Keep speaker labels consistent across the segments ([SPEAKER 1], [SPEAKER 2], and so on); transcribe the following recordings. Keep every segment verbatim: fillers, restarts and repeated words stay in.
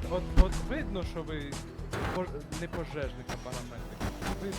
[SPEAKER 1] от, от видно, що ви пож... не пожежник, а парамедик. Ви...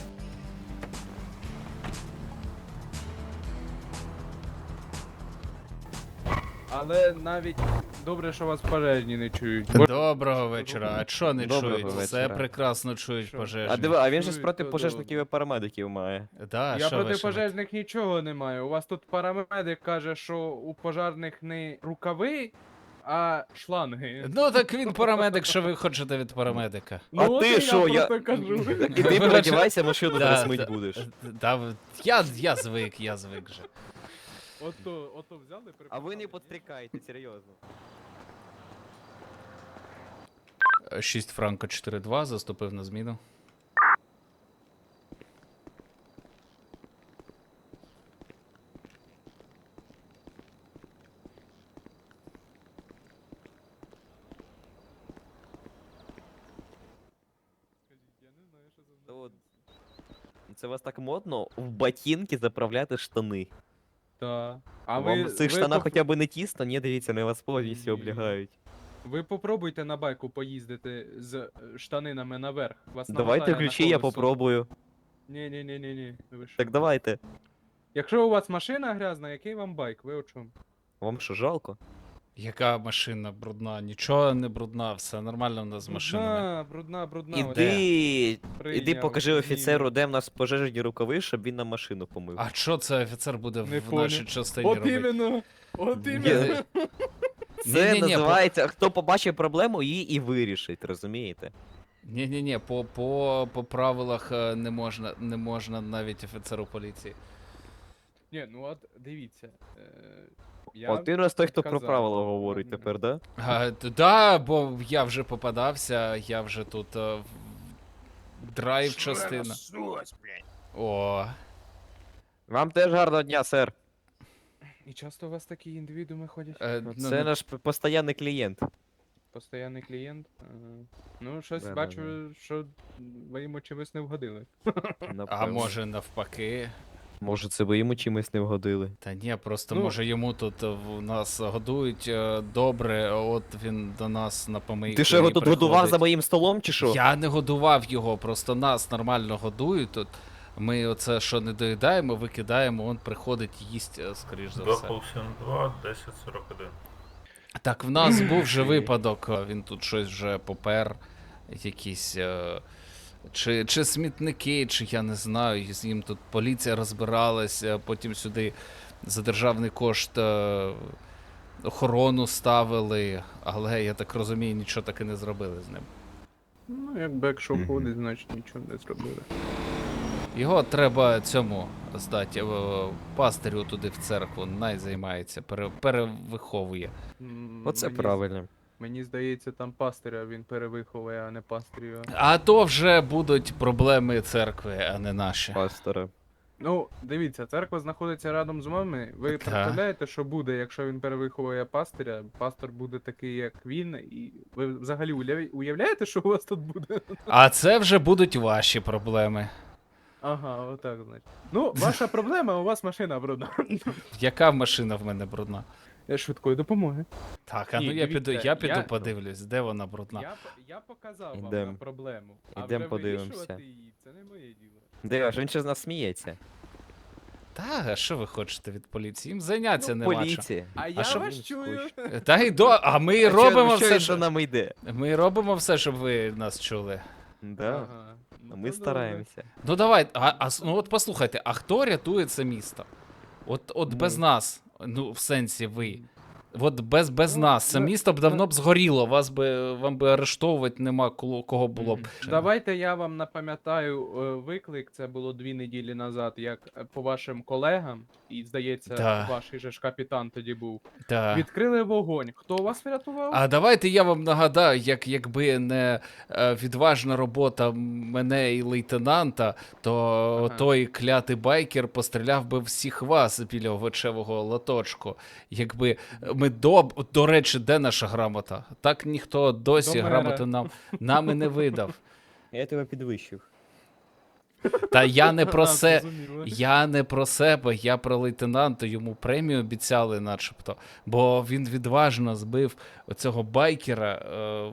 [SPEAKER 1] Але навіть добре, що вас пожежні не чують. Бо-
[SPEAKER 2] Доброго вечора. А чо не
[SPEAKER 3] Доброго
[SPEAKER 2] чують? Все
[SPEAKER 3] вечора.
[SPEAKER 2] прекрасно чують
[SPEAKER 1] Що?
[SPEAKER 3] А
[SPEAKER 2] пожежні.
[SPEAKER 3] диви, а він же
[SPEAKER 1] Чую,
[SPEAKER 3] проти
[SPEAKER 1] то
[SPEAKER 3] пожежників і парамедиків має.
[SPEAKER 2] Да,
[SPEAKER 1] Я
[SPEAKER 2] що ви,
[SPEAKER 1] проти
[SPEAKER 2] що ви?
[SPEAKER 1] пожежних нічого не маю. У вас тут парамедик каже, що у пожежних не рукави, а шланги.
[SPEAKER 2] Ну так він парамедик, що ви хочете від парамедика?
[SPEAKER 3] А
[SPEAKER 1] от
[SPEAKER 3] ти
[SPEAKER 1] і
[SPEAKER 3] що,
[SPEAKER 1] я
[SPEAKER 3] я-
[SPEAKER 1] просто кажу.
[SPEAKER 3] Так іди переодівайся, машину зараз мить будеш.
[SPEAKER 2] Да, ви- я, я звик, я звик же.
[SPEAKER 1] Ото, ото взяли,
[SPEAKER 3] А ви
[SPEAKER 1] приписали,
[SPEAKER 3] не
[SPEAKER 1] ні?
[SPEAKER 3] підстрікайте, серйозно.
[SPEAKER 2] шість Франко чотири два, заступив на зміну.
[SPEAKER 1] Я не знаю, що це
[SPEAKER 3] Та от.
[SPEAKER 1] значить.
[SPEAKER 3] Це у вас так модно в ботинки заправляти штани.
[SPEAKER 1] Та. А
[SPEAKER 3] А
[SPEAKER 1] ви,
[SPEAKER 3] вам в цих
[SPEAKER 1] ви,
[SPEAKER 3] штанах
[SPEAKER 1] поп-
[SPEAKER 3] хоча б не тісно? Ні, дивіться, не вас повністю
[SPEAKER 1] Ні.
[SPEAKER 3] облягають.
[SPEAKER 1] ви попробуйте на байку поїздити з е, штанинами наверх. Вас
[SPEAKER 3] Давайте
[SPEAKER 1] намотає на
[SPEAKER 3] ключі, я
[SPEAKER 1] колесо.
[SPEAKER 3] попробую.
[SPEAKER 1] Ні, ні, ні, ні, ні. Ви що?
[SPEAKER 3] Так давайте.
[SPEAKER 1] Якщо у вас машина грязна, який вам байк? Ви о чому?
[SPEAKER 3] Вам що, жалко?
[SPEAKER 2] Яка машина брудна? Нічого не брудна, все нормально в нас з машинами.
[SPEAKER 1] Брудна, брудна, брудна.
[SPEAKER 3] Іди,
[SPEAKER 1] Прийняв,
[SPEAKER 3] іди покажи
[SPEAKER 1] зніму.
[SPEAKER 3] офіцеру, де в нас пожежні рукави, щоб він нам машину помив.
[SPEAKER 2] А що це офіцер буде
[SPEAKER 1] Не
[SPEAKER 2] в
[SPEAKER 1] понял.
[SPEAKER 2] нашій частині
[SPEAKER 1] От
[SPEAKER 2] робити?
[SPEAKER 1] іменно! От
[SPEAKER 2] Ні,
[SPEAKER 1] іменно!
[SPEAKER 3] Це
[SPEAKER 2] Ні-ні-ні,
[SPEAKER 3] називається, хто побачить проблему, її і вирішить, розумієте?
[SPEAKER 2] Ні-ні-ні, по, по, по правилах е, не можна, не можна навіть офіцеру поліції.
[SPEAKER 1] Ні, ну от дивіться. Е, я
[SPEAKER 3] От ти у нас той, хто про
[SPEAKER 1] казав,
[SPEAKER 3] правила говорить
[SPEAKER 1] ладно.
[SPEAKER 3] тепер, да?
[SPEAKER 2] А, т- да, бо я вже попадався, я вже тут е, в- драйв частина. О,
[SPEAKER 3] Вам теж гарного дня, сер.
[SPEAKER 1] І часто у вас такі індивідууми ходять?
[SPEAKER 2] е, ну,
[SPEAKER 3] Це
[SPEAKER 2] ну,
[SPEAKER 3] наш п- постійний клієнт.
[SPEAKER 1] Постоянний клієнт. Ага. Ну, щось
[SPEAKER 3] Да-да-да.
[SPEAKER 1] бачу, що ви йому чимось не вгодили.
[SPEAKER 2] а
[SPEAKER 3] Напевно.
[SPEAKER 2] може навпаки.
[SPEAKER 3] Може, це ви йому чимось не вгодили.
[SPEAKER 2] Та ні, просто
[SPEAKER 1] Ну-
[SPEAKER 2] може йому тут е, в нас годують е, добре, а от він до нас на помийку.
[SPEAKER 3] Ти що його
[SPEAKER 2] і
[SPEAKER 3] тут годував за
[SPEAKER 2] приходить.
[SPEAKER 3] моїм столом, чи що?
[SPEAKER 2] Я не годував його, просто нас нормально годують тут. Ми оце, що не доїдаємо, викидаємо, він приходить, їсть, е, скоріш за все.
[SPEAKER 4] два сім два, десять сорок один.
[SPEAKER 2] Так, в нас був вже випадок, е, він тут щось вже попер, якісь. е, Чи, чи смітники, чи я не знаю, з ним тут поліція розбиралась, е, потім сюди за державний кошт е, охорону ставили, але я так розумію, нічого таки не зробили з ним.
[SPEAKER 1] Ну, якби якщо
[SPEAKER 3] Мгм.
[SPEAKER 1] ходить, значить нічого не зробили.
[SPEAKER 2] Його треба цьому здати, е, пастирю туди в церкву, най займається, пере, перевиховує.
[SPEAKER 1] М,
[SPEAKER 3] Оце
[SPEAKER 1] мені-
[SPEAKER 3] правильно.
[SPEAKER 1] Мені здається, там пастиря він перевиховує, а не пастирю.
[SPEAKER 2] А то вже будуть проблеми церкви, а не наші.
[SPEAKER 3] Пастора.
[SPEAKER 1] Ну, дивіться, церква знаходиться рядом з вами. Ви
[SPEAKER 2] Та.
[SPEAKER 1] представляєте, що буде, якщо він перевиховує пастиря, пастор буде такий, як він, і ви взагалі уявля- уявляєте, що у вас тут буде?
[SPEAKER 2] А це вже будуть ваші проблеми.
[SPEAKER 1] Ага, отак, значить. Ну, ваша проблема, у вас машина брудна.
[SPEAKER 2] Яка машина в мене брудна?
[SPEAKER 1] Я швидкої допомоги.
[SPEAKER 2] Так, а
[SPEAKER 1] Ні,
[SPEAKER 2] ну я піду,
[SPEAKER 1] дивіться,
[SPEAKER 2] я піду
[SPEAKER 1] я-
[SPEAKER 2] подивлюсь, де вона брудна.
[SPEAKER 1] Я, п- я показав вам
[SPEAKER 3] Ідем.
[SPEAKER 1] на проблему. А
[SPEAKER 3] Ідем
[SPEAKER 1] вже
[SPEAKER 3] подивимося.
[SPEAKER 1] вирішувати її, це не моє діло.
[SPEAKER 3] Де, ж він ще з нас сміється.
[SPEAKER 2] Та, а що ви хочете від поліції? Їм зайнятися
[SPEAKER 3] Ну,
[SPEAKER 2] нема чим.
[SPEAKER 3] поліція.
[SPEAKER 1] А я
[SPEAKER 2] що
[SPEAKER 1] вас
[SPEAKER 3] він
[SPEAKER 1] чую.
[SPEAKER 3] скучний?
[SPEAKER 2] Та й до, а ми
[SPEAKER 3] А що-
[SPEAKER 2] робимо
[SPEAKER 3] що
[SPEAKER 2] все,
[SPEAKER 3] він за
[SPEAKER 2] що...
[SPEAKER 3] нами йде.
[SPEAKER 2] Ми робимо все, щоб ви нас чули.
[SPEAKER 3] Да.
[SPEAKER 1] Ага. Ну,
[SPEAKER 3] А ми
[SPEAKER 1] то
[SPEAKER 3] стараємося.
[SPEAKER 2] Ну давай, а, а с- ну от послухайте, а хто рятує це місто? От, от без
[SPEAKER 1] Ну.
[SPEAKER 2] нас, ну в сенсі ви. От без, без
[SPEAKER 1] Ну,
[SPEAKER 2] нас. Це
[SPEAKER 1] ну,
[SPEAKER 2] місто б давно б згоріло, вас би, вам би арештовувати нема кого, кого було б.
[SPEAKER 1] добре. Давайте я вам напам'ятаю е, виклик. Це було дві неділі назад, як е, по вашим колегам, і здається,
[SPEAKER 2] Да.
[SPEAKER 1] ваш же ж капітан тоді був.
[SPEAKER 2] Та.
[SPEAKER 1] Відкрили вогонь. Хто вас врятував?
[SPEAKER 2] А давайте я вам нагадаю, як якби не е, відважна робота мене і лейтенанта, то
[SPEAKER 1] Ага.
[SPEAKER 2] той клятий байкер постріляв би всіх вас біля овочевого лоточку. Якби ми до, до речі, де наша грамота? Так ніхто досі
[SPEAKER 1] До мера.
[SPEAKER 2] грамоту нам, нам і не видав.
[SPEAKER 3] Я тебе підвищив.
[SPEAKER 2] Та я не про
[SPEAKER 1] А,
[SPEAKER 2] се.
[SPEAKER 1] зрозуміло.
[SPEAKER 2] Я не про себе, я про лейтенанта, йому премію обіцяли, начебто. Бо він відважно збив оцього байкера е,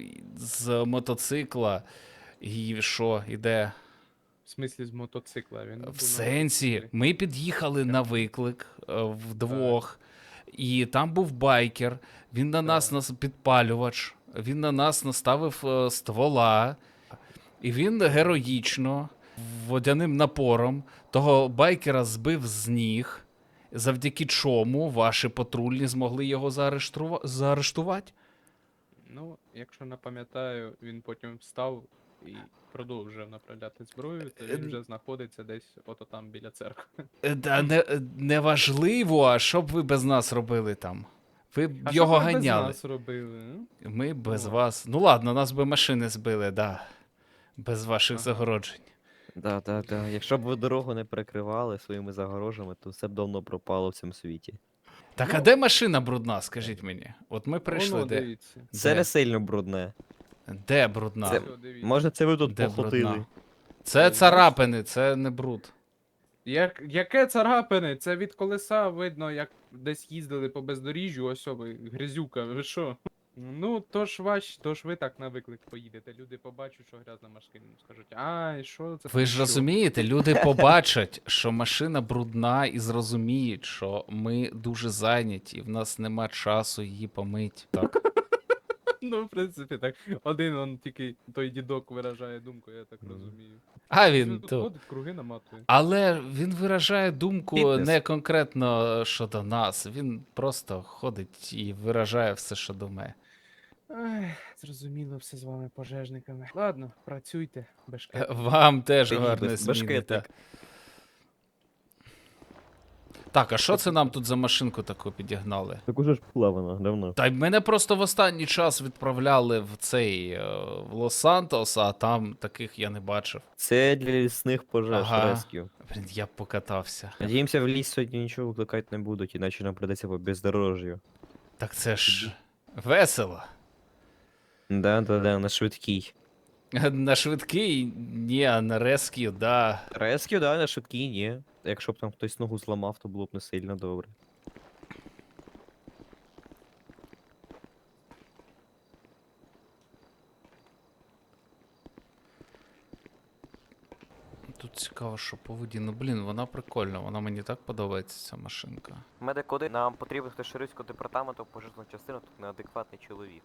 [SPEAKER 2] з мотоцикла. І що, іде?
[SPEAKER 1] В смислі з мотоцикла. Він був
[SPEAKER 2] В
[SPEAKER 1] на
[SPEAKER 2] сенсі,
[SPEAKER 1] мотоциклі.
[SPEAKER 2] ми під'їхали на виклик е, вдвох, і там був байкер, він на нас,
[SPEAKER 1] Так.
[SPEAKER 2] нас підпалювач, він на нас наставив е, ствола, і він героїчно, водяним напором, того байкера збив з ніг, завдяки чому ваші патрульні змогли його заарештува- заарештувати.
[SPEAKER 1] Ну, якщо не пам'ятаю, він потім встав і продовжив направляти зброю, то він вже знаходиться десь ото там біля церкви.
[SPEAKER 2] Е, Та не, е, неважливо, а що б ви без нас робили там? Ви б
[SPEAKER 1] А
[SPEAKER 2] його
[SPEAKER 1] що ви без
[SPEAKER 2] ганяли.
[SPEAKER 1] нас робили? м?
[SPEAKER 2] Ми без
[SPEAKER 1] Ну,
[SPEAKER 2] вас. Ну ладно, нас би машини збили, да. Без ваших
[SPEAKER 1] Ага.
[SPEAKER 2] загороджень.
[SPEAKER 3] Да, да, да. Якщо б ви дорогу не перекривали своїми загорожами, то все б давно пропало в цьому світі.
[SPEAKER 2] Так, а
[SPEAKER 1] Ну.
[SPEAKER 2] де машина брудна, скажіть мені? От ми прийшли,
[SPEAKER 1] Воно,
[SPEAKER 2] де?
[SPEAKER 1] дивіться.
[SPEAKER 3] Це
[SPEAKER 2] Де?
[SPEAKER 3] не сильно брудне.
[SPEAKER 2] Де брудна?
[SPEAKER 3] Це-
[SPEAKER 2] Це,
[SPEAKER 1] Ось, дивіться.
[SPEAKER 3] Може, це ви тут
[SPEAKER 2] Де
[SPEAKER 3] походили?
[SPEAKER 2] брудна? царапини, це не бруд.
[SPEAKER 1] Як, яке царапини? Це від колеса видно, як десь їздили по бездоріжжю, ось о ви, грязюка, ви що? Ну, то ж ваш, то ж ви так на виклик поїдете. Люди побачать, що грязна машина, скажуть, ай, що це?
[SPEAKER 2] Ви
[SPEAKER 1] там,
[SPEAKER 2] ж
[SPEAKER 1] що?»
[SPEAKER 2] розумієте, люди побачать, що машина брудна і зрозуміють, що ми дуже зайняті, і в нас нема часу її помить. Так.
[SPEAKER 1] Ну, в принципі, так. Один он тільки той дідок виражає думку, я так розумію.
[SPEAKER 2] А
[SPEAKER 1] Він
[SPEAKER 2] він
[SPEAKER 1] тут
[SPEAKER 2] то.
[SPEAKER 1] ходить, круги наматує.
[SPEAKER 2] Але він виражає думку
[SPEAKER 3] Фітнес.
[SPEAKER 2] не конкретно щодо нас. Він просто ходить і виражає все, що думає.
[SPEAKER 1] Ай, зрозуміло все з вами, пожежниками. Ладно, працюйте, бешкет.
[SPEAKER 2] Вам теж
[SPEAKER 3] Ти
[SPEAKER 2] гарне
[SPEAKER 3] без-
[SPEAKER 2] зміни.
[SPEAKER 3] башкетник.
[SPEAKER 2] Так. Так, а що це нам тут за машинку таку підігнали?
[SPEAKER 3] Так уже ж була вона, давно.
[SPEAKER 2] Та й мене просто в останній час відправляли в цей е, в Лос-Сантос, а там таких я не бачив.
[SPEAKER 3] Це для лісних пожеж
[SPEAKER 2] Ага.
[SPEAKER 3] ресків.
[SPEAKER 2] Блін, я б покатався.
[SPEAKER 3] Надіємося, в ліс сьогодні нічого викликати не будуть, іначе нам придеться по бездорожжю.
[SPEAKER 2] Так це ж весело.
[SPEAKER 3] Да, да, да, на швидкій.
[SPEAKER 2] На швидкий, ні, а на ресків, да.
[SPEAKER 3] Ресків, да, на швидкій, ні. Якщо б там хтось ногу зламав, то було б не сильно добре.
[SPEAKER 2] Тут цікаво, що по воді. Ну блін, вона прикольна, вона мені так подобається, ця машинка.
[SPEAKER 3] Медикоди, нам потрібен хтось Шерифського департаменту пожежну частину, тут неадекватний чоловік.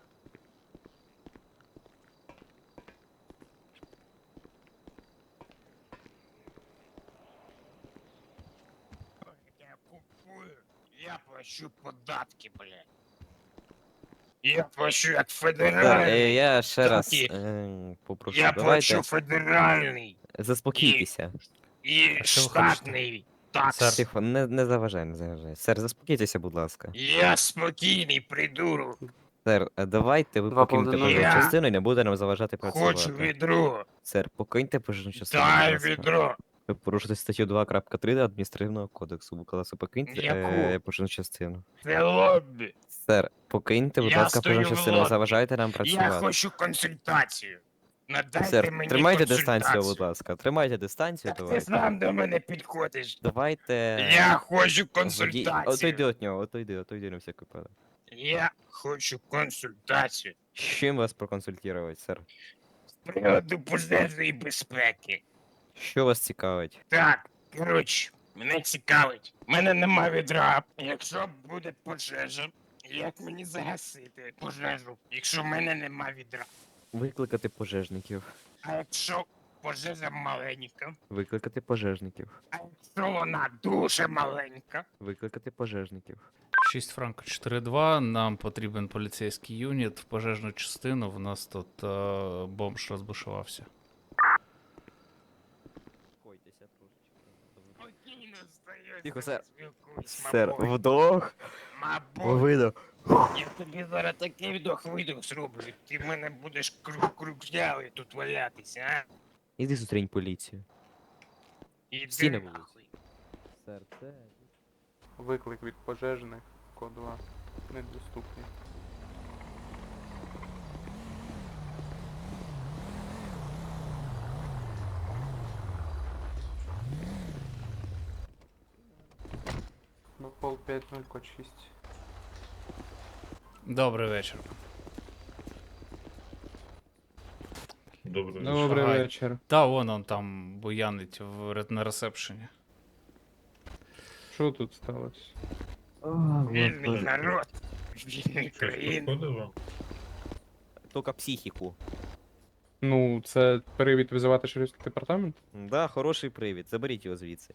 [SPEAKER 5] Я купую, я плачу податки, блядь. Я плачу як
[SPEAKER 3] Так,
[SPEAKER 5] федеральний.
[SPEAKER 3] е, я ще раз
[SPEAKER 5] Такі.
[SPEAKER 3] е, попрошу,
[SPEAKER 5] Я
[SPEAKER 3] давайте
[SPEAKER 5] плачу федеральний
[SPEAKER 3] заспокійтеся.
[SPEAKER 5] і
[SPEAKER 2] А що ви хочете?
[SPEAKER 5] штатний такс.
[SPEAKER 2] Сер.
[SPEAKER 3] Тихо, не, не заважай, не заважай. Сер, заспокійтеся, будь ласка.
[SPEAKER 5] Я спокійний придурок.
[SPEAKER 3] Сер, е, давайте ви
[SPEAKER 1] Два
[SPEAKER 3] покиньте
[SPEAKER 1] половиною.
[SPEAKER 3] пожежну
[SPEAKER 5] Я
[SPEAKER 3] частину і не буде нам заважати
[SPEAKER 5] Хочу
[SPEAKER 3] працювати.
[SPEAKER 5] відро.
[SPEAKER 3] Сер, покиньте пожежну частину.
[SPEAKER 5] Дай
[SPEAKER 3] будь ласка.
[SPEAKER 5] відро.
[SPEAKER 3] Ви порушите статтю два крапка три адміністративного кодексу. Будь ласка, покиньте е,
[SPEAKER 5] Яку?
[SPEAKER 3] пожежну частину.
[SPEAKER 5] Це лобі.
[SPEAKER 3] Сер, покиньте, будь
[SPEAKER 5] Я
[SPEAKER 3] ласка,
[SPEAKER 5] стою
[SPEAKER 3] пожежну
[SPEAKER 5] в
[SPEAKER 3] частину,
[SPEAKER 5] лобі.
[SPEAKER 3] заважайте нам
[SPEAKER 5] Я
[SPEAKER 3] працювати.
[SPEAKER 5] хочу консультацію. Надайте
[SPEAKER 3] Сер,
[SPEAKER 5] мені
[SPEAKER 3] тримайте
[SPEAKER 5] консультацію.
[SPEAKER 3] дистанцію, будь ласка. Тримайте дистанцію,
[SPEAKER 5] Так ти
[SPEAKER 3] давайте.
[SPEAKER 5] сам до мене підходиш.
[SPEAKER 3] Давайте.
[SPEAKER 5] Я хочу
[SPEAKER 3] водій-
[SPEAKER 5] консультацію.
[SPEAKER 3] Отойди від нього, отойди, отойди на всякий випадок.
[SPEAKER 5] Я хочу консультацію
[SPEAKER 3] З чим вас проконсультувати, сер?
[SPEAKER 5] з приводу пожежної безпеки.
[SPEAKER 3] Що вас цікавить?
[SPEAKER 5] Так, коротше, мене цікавить. У мене нема відра. Якщо буде пожежа, як мені загасити пожежу, якщо в мене нема відра?
[SPEAKER 3] Викликати пожежників.
[SPEAKER 5] А якщо пожежа маленька,
[SPEAKER 3] Викликати пожежників.
[SPEAKER 5] а якщо вона дуже маленька,
[SPEAKER 3] Викликати пожежників.
[SPEAKER 2] шість франко чотири два, нам потрібен поліцейський юніт в пожежну частину, в нас тут е, бомж розбушувався.
[SPEAKER 5] спокійно здаюся,
[SPEAKER 3] Тихо, сер.
[SPEAKER 5] спілкуюсь,
[SPEAKER 3] Сер,
[SPEAKER 5] мабуть.
[SPEAKER 3] вдох,
[SPEAKER 5] Мабуть.
[SPEAKER 3] видох.
[SPEAKER 5] Я тобі зараз такий вдох-видох зроблю, ти в мене будеш круг кружлявий тут валятися, а?
[SPEAKER 3] Іди зустрінь поліцію.
[SPEAKER 5] Іди
[SPEAKER 3] Стій на вулиці.
[SPEAKER 5] нахуй.
[SPEAKER 3] Сер, це...
[SPEAKER 1] Виклик від пожежних, код два. Недоступний. пол п'ять нуль код шість.
[SPEAKER 2] Добрий вечір.
[SPEAKER 4] Добре.
[SPEAKER 1] Добрий
[SPEAKER 2] Шагай.
[SPEAKER 1] вечір.
[SPEAKER 2] Та вон он там буянить в, ре- на ресепшені.
[SPEAKER 1] Що тут сталося?
[SPEAKER 5] Вільний народ. Вільні
[SPEAKER 4] Щось
[SPEAKER 5] країни.
[SPEAKER 4] підходило?
[SPEAKER 3] Тільки психіку.
[SPEAKER 1] Ну, це привід визивати шерифський департамент?
[SPEAKER 3] Да, хороший привід. Заберіть його звідси.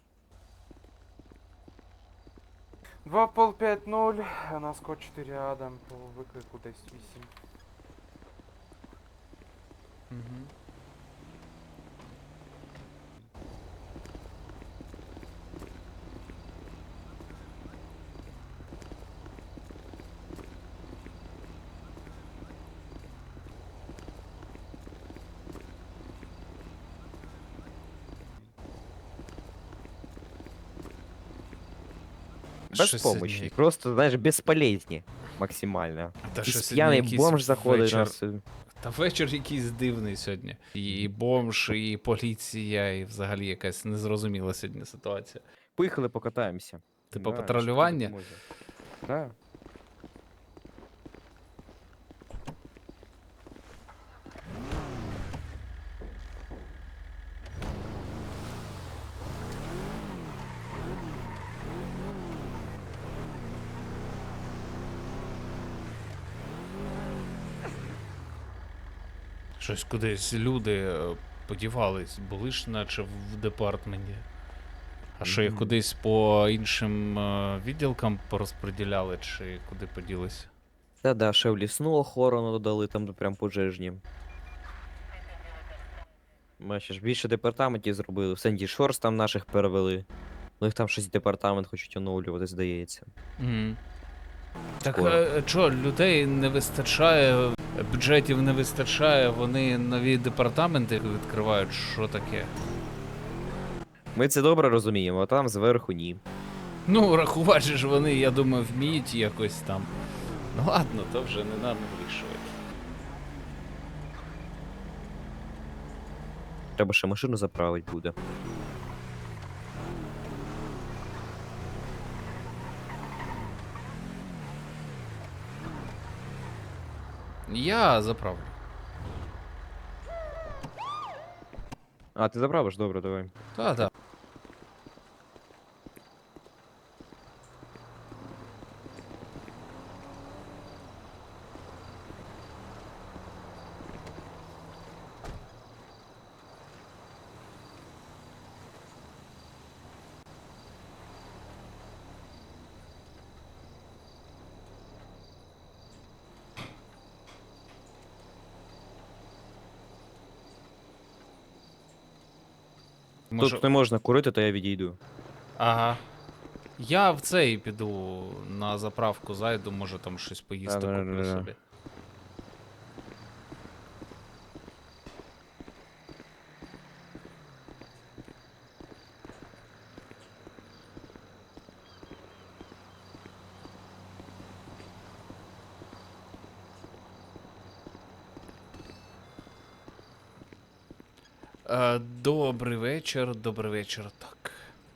[SPEAKER 1] два пол п'ять нуль, у нас код чотири Адам по виклику десь вісім.
[SPEAKER 2] Угу.
[SPEAKER 3] Безпомощні. Просто, знаєш, безполезні. Максимально.
[SPEAKER 2] Та
[SPEAKER 3] Якийсь
[SPEAKER 2] щось
[SPEAKER 3] п'яний
[SPEAKER 2] якийсь
[SPEAKER 3] бомж заходить
[SPEAKER 2] вечір.
[SPEAKER 3] на нас.
[SPEAKER 2] Та вечір якийсь дивний сьогодні. І бомж, і поліція, і взагалі якась незрозуміла сьогодні ситуація.
[SPEAKER 3] Поїхали покатаємося.
[SPEAKER 2] Типу
[SPEAKER 3] Да,
[SPEAKER 2] патрулювання?
[SPEAKER 3] що тобі допоможе. Да.
[SPEAKER 2] Щось кудись люди е, подівались, були ж наче в департменті. А що їх
[SPEAKER 3] Мгм.
[SPEAKER 2] кудись по іншим е, відділкам порозподіляли, чи куди поділися?
[SPEAKER 3] Та да, ще в лісну охорону додали, там прям пожежні. Ми ще ж більше департаментів зробили. В Сенді Шорс там наших перевели. Ну їх там щось департамент хочуть оновлювати, здається.
[SPEAKER 2] Угу. Так
[SPEAKER 3] Скоро.
[SPEAKER 2] е, що, людей не вистачає, бюджетів не вистачає, вони нові департаменти відкривають, що таке?
[SPEAKER 3] Ми це добре розуміємо, а там зверху ні.
[SPEAKER 2] Ну, рахувати же ж вони, я думаю, вміють якось там. Ну ладно, то вже не нам вирішувати.
[SPEAKER 3] Треба ще машину заправити буде.
[SPEAKER 2] Я заправлю.
[SPEAKER 3] А, ти заправиш? Добре, давай.
[SPEAKER 2] Та-та. Може...
[SPEAKER 3] Тут не можна курити, то я відійду.
[SPEAKER 2] Ага. Я в цей піду на заправку зайду, може там щось поїсти куплю
[SPEAKER 3] Да-да-да-да.
[SPEAKER 2] собі. Е, добрий вечір, добрий вечір. Так.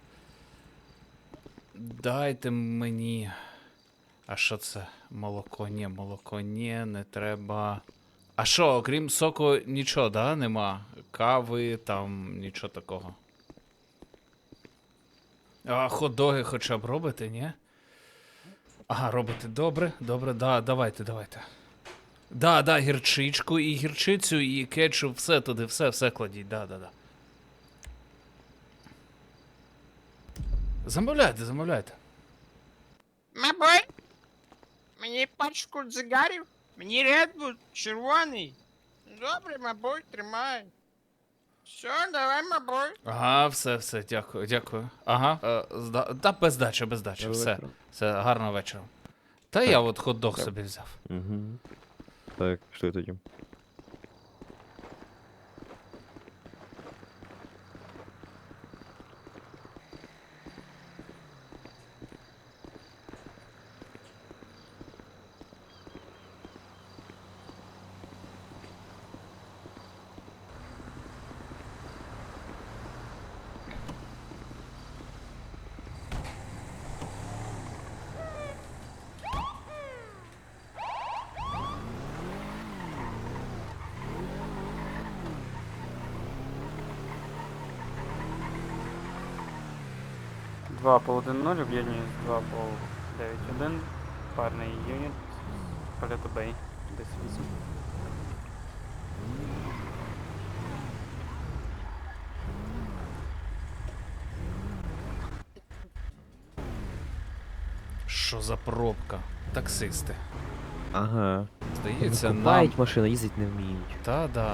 [SPEAKER 2] Дайте мені. А що це? Молоко, ні, молоко, ні, не треба. А що, окрім соку, нічого, да, нема? Кави, там, нічого такого. А хот-доги хоча б робите, ні? Ага, робите добре, добре, да, давайте, давайте. Да, да, гірчичку, і гірчицю, і кетчуп, все туди, все, все кладіть, да, да, да. Замовляйте, замовляйте.
[SPEAKER 5] Мабой, мені пачку цигарів, мені редбул червоний. Добре, мабой, тримай. Все, давай, мабой.
[SPEAKER 2] Ага, все, все, дякую, дякую. Ага, е, зда... та без дачі, без дачі, все. Все, гарного вечора. Та я от хот-дог
[SPEAKER 3] Так.
[SPEAKER 2] собі взяв.
[SPEAKER 3] Угу. Так, що тоді?
[SPEAKER 6] два по один нуль, об'єднує з два по дев'ять один. Парний юніт. Палето Бей. десять вісім.
[SPEAKER 2] Що за пробка? Таксисти.
[SPEAKER 3] Ага.
[SPEAKER 2] Здається, нам.
[SPEAKER 3] Купають машину, їздить не вміють.
[SPEAKER 2] Та-да.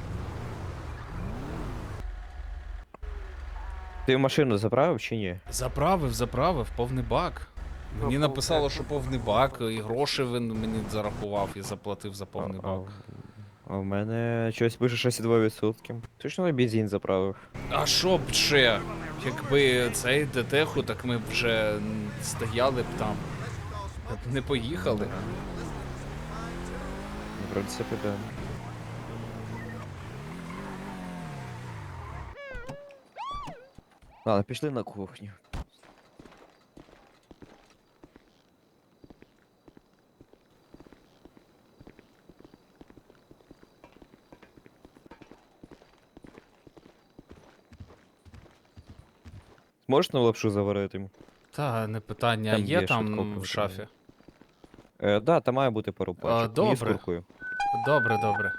[SPEAKER 3] Ти машину заправив чи ні?
[SPEAKER 2] Заправив, заправив, повний бак. Мені
[SPEAKER 6] Ну,
[SPEAKER 2] написало, що повний бак, і гроші він мені зарахував і заплатив за повний
[SPEAKER 3] А-
[SPEAKER 2] бак.
[SPEAKER 3] А в мене щось пише шість цілих два відсотки. Точно на бензин заправив.
[SPEAKER 2] А що б ще? Якби цей детеху, так ми б вже м, стояли б там. Не поїхали.
[SPEAKER 3] В принципі, да. Ладно, пішли на кухню. Можеш на лапшу заварити?
[SPEAKER 2] Та, не питання,
[SPEAKER 3] Там
[SPEAKER 2] є
[SPEAKER 3] є
[SPEAKER 2] там
[SPEAKER 3] швидко
[SPEAKER 2] в шафі.
[SPEAKER 3] Е, да, там має бути пару пачок. Мені з
[SPEAKER 2] добре.
[SPEAKER 3] куркою.
[SPEAKER 2] Добре, добре.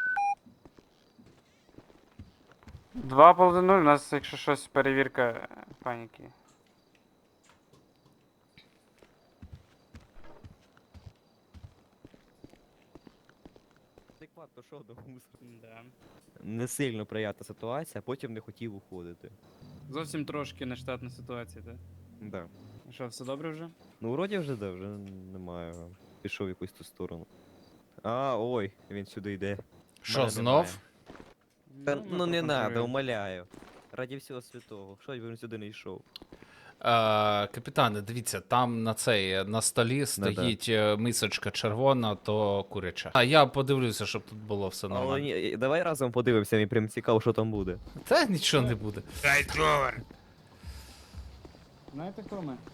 [SPEAKER 6] два по один нуль, у нас, якщо щось, перевірка е, паніки.
[SPEAKER 3] Адекватно, що до мусор.
[SPEAKER 6] Да.
[SPEAKER 3] Не сильно приятна ситуація, а потім не хотів уходити.
[SPEAKER 6] Зовсім трошки нештатна ситуація, так?
[SPEAKER 3] Да.
[SPEAKER 6] Що, все добре вже?
[SPEAKER 3] Ну, вроді вже да, вже немає. Пішов в якусь ту сторону. А, ой, він сюди йде.
[SPEAKER 2] Що,
[SPEAKER 3] Мене
[SPEAKER 2] знов?
[SPEAKER 3] Та,
[SPEAKER 6] ми
[SPEAKER 3] ну не надо,
[SPEAKER 6] проконтролюємо.
[SPEAKER 3] умоляю. Раді всього святого. Що він сюди не йшов?
[SPEAKER 2] Е, капітане, дивіться, там на цей на столі стоїть е, мисочка червона, то куряча. А я подивлюся, щоб тут було все
[SPEAKER 3] Але
[SPEAKER 2] нормально.
[SPEAKER 3] ні, давай разом подивимося, мені прям цікаво, що там буде.
[SPEAKER 2] Та нічого не буде.
[SPEAKER 5] Дай долар.
[SPEAKER 6] Знаєте, хто ми?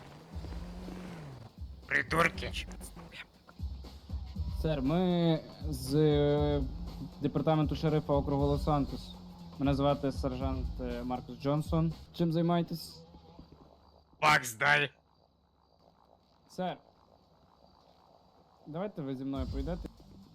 [SPEAKER 5] Придурки.
[SPEAKER 6] Сер, ми з е, департаменту шерифа округу Лос-Сантос. Мене звати сержант е, Маркус Джонсон. Чим займаєтесь?
[SPEAKER 5] Бакс дай.
[SPEAKER 6] Сер. Давайте ви зі мною поїдете.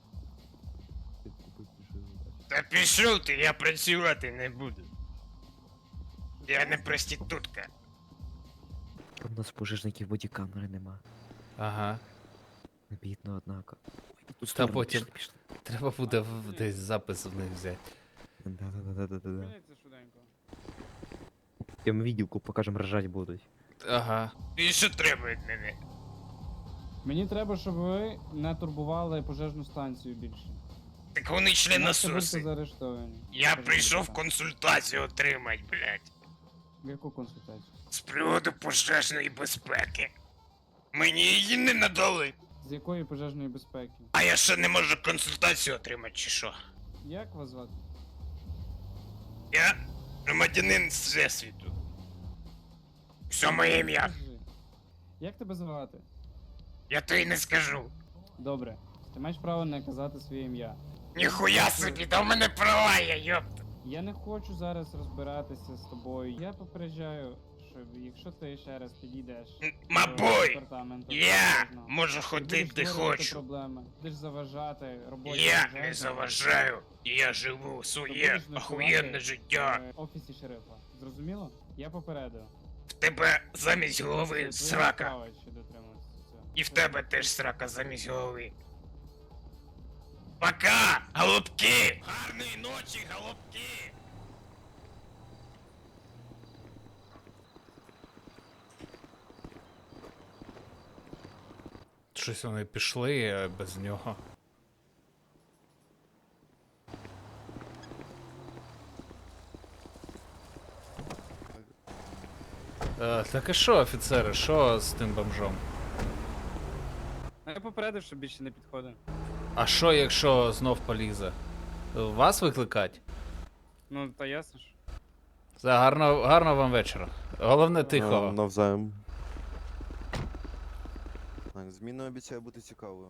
[SPEAKER 5] Та пішов ти, я працювати не буду. Я не проститутка.
[SPEAKER 3] У нас пожежників бодікамери нема.
[SPEAKER 2] Ага.
[SPEAKER 3] Бідно, однако.
[SPEAKER 2] Та потім треба буде в- десь запис в них взяти.
[SPEAKER 3] Да-да-да-да-да-да.
[SPEAKER 6] Зупиніться швиденько.
[SPEAKER 3] Тим відділку покажем, ржать будуть.
[SPEAKER 2] Ага.
[SPEAKER 5] І що треба від мене?
[SPEAKER 6] Мені треба, щоб ви не турбували пожежну станцію більше.
[SPEAKER 5] Так вони йшли на
[SPEAKER 6] Інакше будете
[SPEAKER 5] суси.
[SPEAKER 6] заарештовані.
[SPEAKER 5] Я
[SPEAKER 6] Пожежна
[SPEAKER 5] прийшов
[SPEAKER 6] станція.
[SPEAKER 5] консультацію отримать, блядь.
[SPEAKER 6] Яку консультацію?
[SPEAKER 5] З приводу пожежної безпеки. Мені її не надали.
[SPEAKER 6] З якої пожежної безпеки?
[SPEAKER 5] А я ще не можу консультацію отримати, чи що?
[SPEAKER 6] Як вас звати?
[SPEAKER 5] Я громадянин Всесвіту. Все моє ім'я.
[SPEAKER 6] Скажи. Як тебе звати?
[SPEAKER 5] Я тобі не скажу.
[SPEAKER 6] Добре. Ти маєш право не казати своє ім'я.
[SPEAKER 5] Ніхуя собі, да в мене права є, йопта.
[SPEAKER 6] Я не хочу зараз розбиратися з тобою. Я попереджаю, що якщо ти ще раз підійдеш
[SPEAKER 5] М,
[SPEAKER 6] до
[SPEAKER 5] Мабой,
[SPEAKER 6] департаменту
[SPEAKER 5] я
[SPEAKER 6] пожежного,
[SPEAKER 5] можу
[SPEAKER 6] ти
[SPEAKER 5] ходити
[SPEAKER 6] будеш
[SPEAKER 5] де
[SPEAKER 6] створювати
[SPEAKER 5] хочу.
[SPEAKER 6] проблеми, будеш заважати роботі
[SPEAKER 5] Я
[SPEAKER 6] пожежного,
[SPEAKER 5] не заважаю. Я живу
[SPEAKER 6] то
[SPEAKER 5] своє
[SPEAKER 6] будеш ночувати
[SPEAKER 5] охуєнне життя.
[SPEAKER 6] в офісі шерифа. Зрозуміло? Я попередив.
[SPEAKER 5] В тебе замість голови
[SPEAKER 6] Твоя
[SPEAKER 5] срака.
[SPEAKER 6] справа, що дотримуватися цього.
[SPEAKER 5] І в тебе теж срака замість голови. Пока, голубки! Гарної ночі, голубки!
[SPEAKER 2] Щось вони пішли е, без нього. Е, так і що, офіцери, що з тим бомжом?
[SPEAKER 6] Я попередив, що більше не підходить.
[SPEAKER 2] А що, якщо знов полізе? Вас викликать?
[SPEAKER 6] Ну, та ясно ж.
[SPEAKER 2] Все, гарно, гарного вам вечора. Головне
[SPEAKER 7] А,
[SPEAKER 2] тихо.
[SPEAKER 7] Навзаєм. Так, зміна обіцяє бути цікавою.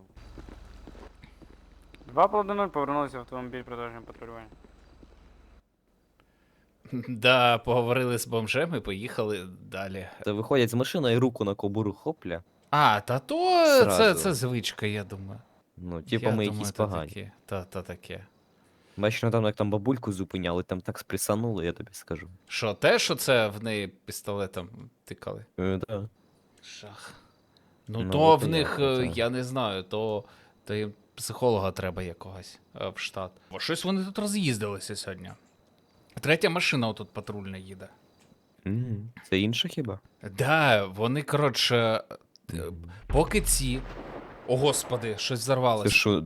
[SPEAKER 6] Два по один нуль повернулися в автомобіль продовжуємо патрулювання.
[SPEAKER 2] Да, поговорили з бомжем і поїхали далі.
[SPEAKER 3] Та виходять з машини і руку на кобуру хопля.
[SPEAKER 2] А, та то це,
[SPEAKER 3] Зразу.
[SPEAKER 2] це звичка, я думаю.
[SPEAKER 3] Ну, типа
[SPEAKER 2] Я
[SPEAKER 3] ми
[SPEAKER 2] думаю,
[SPEAKER 3] якісь
[SPEAKER 2] то
[SPEAKER 3] погані.
[SPEAKER 2] таке. Та, та таке.
[SPEAKER 3] Бачиш, ну, там як там бабульку зупиняли, там так сприсанули, я тобі скажу.
[SPEAKER 2] Що, те, що це в неї пістолетом тикали?
[SPEAKER 3] Е, да.
[SPEAKER 2] Жах. Ну,
[SPEAKER 3] Ну,
[SPEAKER 2] то
[SPEAKER 3] от
[SPEAKER 2] в
[SPEAKER 3] і
[SPEAKER 2] них,
[SPEAKER 3] я,
[SPEAKER 2] е,
[SPEAKER 3] так.
[SPEAKER 2] я не знаю, то, то їм психолога треба якогось е, в штат. Бо щось вони тут роз'їздилися сьогодні. Третя машина отут патрульна їде.
[SPEAKER 3] М, Це інше хіба?
[SPEAKER 2] Да, вони, коротше, е, поки ці. О, господи, щось
[SPEAKER 3] Це
[SPEAKER 2] взорвалося.
[SPEAKER 3] що?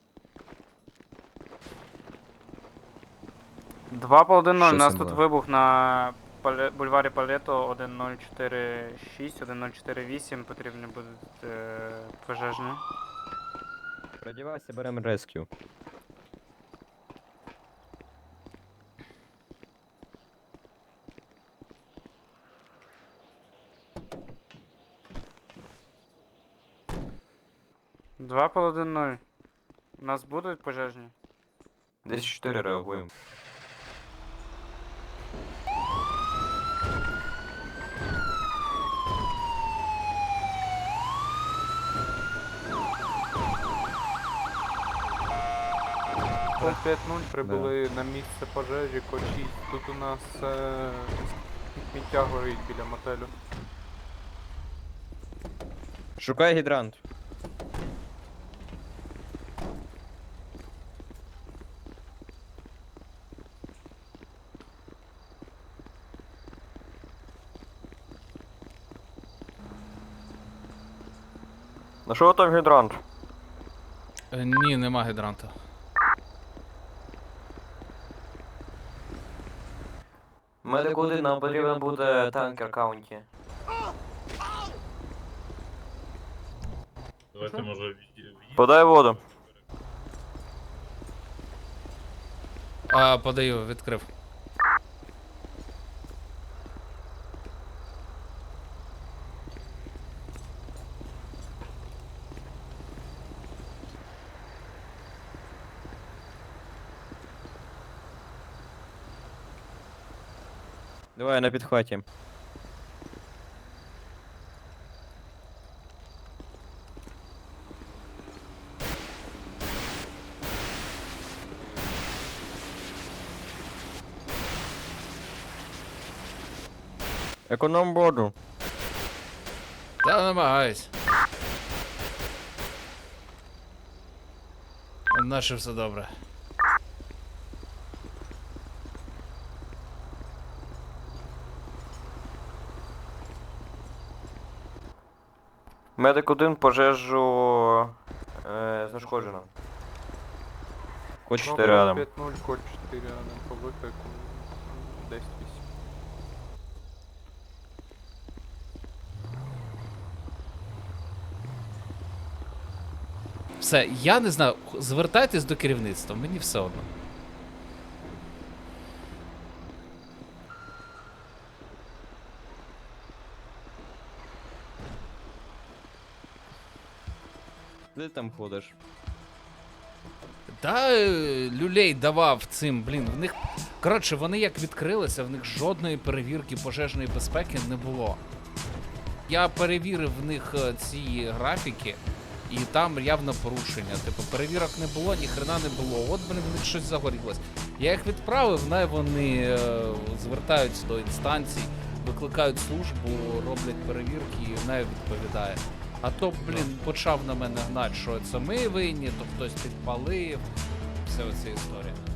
[SPEAKER 6] Два по один ноль. У
[SPEAKER 3] Що
[SPEAKER 6] нас
[SPEAKER 3] це
[SPEAKER 6] тут
[SPEAKER 3] було?
[SPEAKER 6] вибух на Пале- бульварі Палето один нуль чотири шість, один нуль чотири вісім. Потрібні будуть е, пожежні.
[SPEAKER 3] Продівайся, беремо рескю.
[SPEAKER 6] Два по один нуль. У нас будуть пожежні?
[SPEAKER 3] Десь чотири реагуємо.
[SPEAKER 1] п'ять нуль прибули на місце пожежі, код шість. Тут у нас е, сміття горить біля мотелю.
[SPEAKER 3] Шукай гідрант. На що там гідрант?
[SPEAKER 2] Е, Ні, нема гідранта.
[SPEAKER 3] Медик один, нам потрібен буде танкер каунті.
[SPEAKER 4] Давайте, може, в'їдемо.
[SPEAKER 3] Подай воду.
[SPEAKER 2] А, подаю, відкрив.
[SPEAKER 3] Давай на підхваті. Економ воду.
[SPEAKER 2] Та намагаюсь. Наше все добре.
[SPEAKER 3] Медик один пожежу е, знешкоджено. Код чотири рядом.
[SPEAKER 1] п'ять нуль, код чотири рядом по виклику десять вісім.
[SPEAKER 2] Все, я не знаю, х- звертайтесь до керівництва, мені все одно.
[SPEAKER 3] Де ти там ходиш?
[SPEAKER 2] Та е, люлей давав цим, блін, в них. Коротше, вони як відкрилися, в них жодної перевірки пожежної безпеки не було. Я перевірив в них е, ці графіки, і там явно порушення. Типу, перевірок не було, ніхрена не було. От, блін, в них щось загорілось. Я їх відправив, най вони е, звертаються до інстанцій, викликають службу, роблять перевірки і най відповідає. А то, блін, почав на мене гнати, що це ми винні, то хтось підпалив. Все оця історія.